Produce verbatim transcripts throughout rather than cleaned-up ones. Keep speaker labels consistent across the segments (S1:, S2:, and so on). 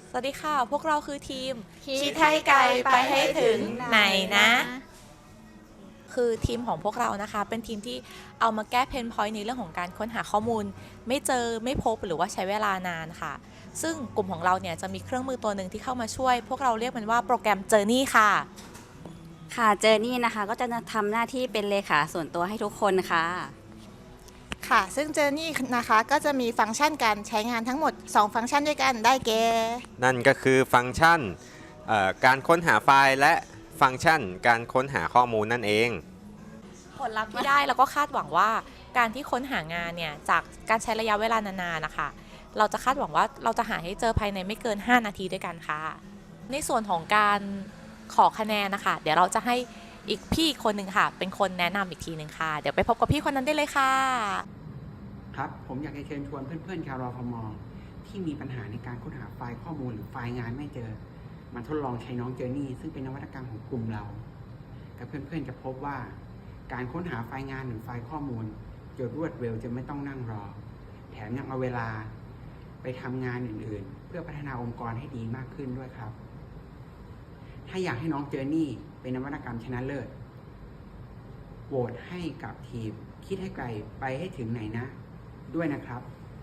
S1: สวัสดีค่ะพวกเราคือทีม
S2: คิดให้ไกลไปให้ถึงไหนนะ
S1: คือทีมของพวกเรานะคะเป็นทีมที่เอามาแก้เพนพอยต์ในเรื่องของการค้นหาข้อมูลไม่เจอไม่พบหรือว่าใช้เวลานานค่ะซึ่งกลุ่มของเราเนี่ยจะมีเครื่องมือตัวหนึ่งที่เข้ามาช่วยพวกเราเรียกมันว่าโปรแกรม Journey ค่ะ
S2: ค่ะเจอร์นี่นะคะก็จะทำหน้าที่เป็นเลขาส่วนตัวให้ทุกคนค่ะ
S3: ค่ะซึ่ง Journey นะคะก็จะมีฟังก์ชันการใช้งานทั้งหมด สอง ฟังก์ชันด้วยกันได้แก่
S4: นั่นก็คือฟังก์ชันเอ่อการค้นหาไฟล์และฟังก์ชันการค้นหาข้อมูลนั่นเอง
S1: ผลลัพธ์ที่ได้แล้วก็คาดหวังว่าการที่ค้นหางานเนี่ยจากการใช้ระยะเวลานานๆนะคะเราจะคาดหวังว่าเราจะหาให้เจอภายในไม่เกินห้านาทีด้วยกันค่ะในส่วนของการขอคะแนนนะคะเดี๋ยวเราจะให้อีกพี่อีกคนหนึ่งค่ะเป็นคนแนะนำอีกทีหนึ่งค่ะเดี๋ยวไปพบกับพี่คนนั้นได้เลยค่ะ
S5: ครับ ผมอยากจะเชิญชวนเพื่อนๆชาวรอฟมที่มีปัญหาในการค้นหาไฟล์ข้อมูลหรือไฟล์งานไม่เจอมาทดลองใช้น้องเจอร์นี่ซึ่งเป็นนวัตกรรมของกลุ่มเรากับเพื่อนๆจะพบว่าการค้นหาไฟล์งานหรือไฟล์ข้อมูลจะรวดเร็วจะไม่ต้องนั่งรอ แถมยังเอาเวลาไปทำงานอื่นๆ เพื่อพัฒนาองค์กรให้ดีมากขึ้นด้วยครับ ถ้าอยากให้น้องเจอร์นี่เป็นนวัตกรรมชนะเลิศโหวตให้กับทีมคิดให้ไกลไปให้ถึงไหนนะด้วยนะครับ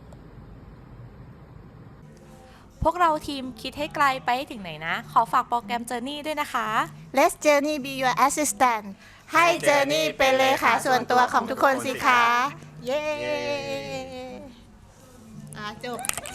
S1: พวกเราทีมคิดให้ไกลไปให้ถึงไหนนะ ขอฝากโปรแกรม Journey ด้วยนะคะ
S3: Let's Journey be your assistant ให้ Journey เป็นเลขาส่วนตัวของทุกคนสิคะ เย้อ่ะจบ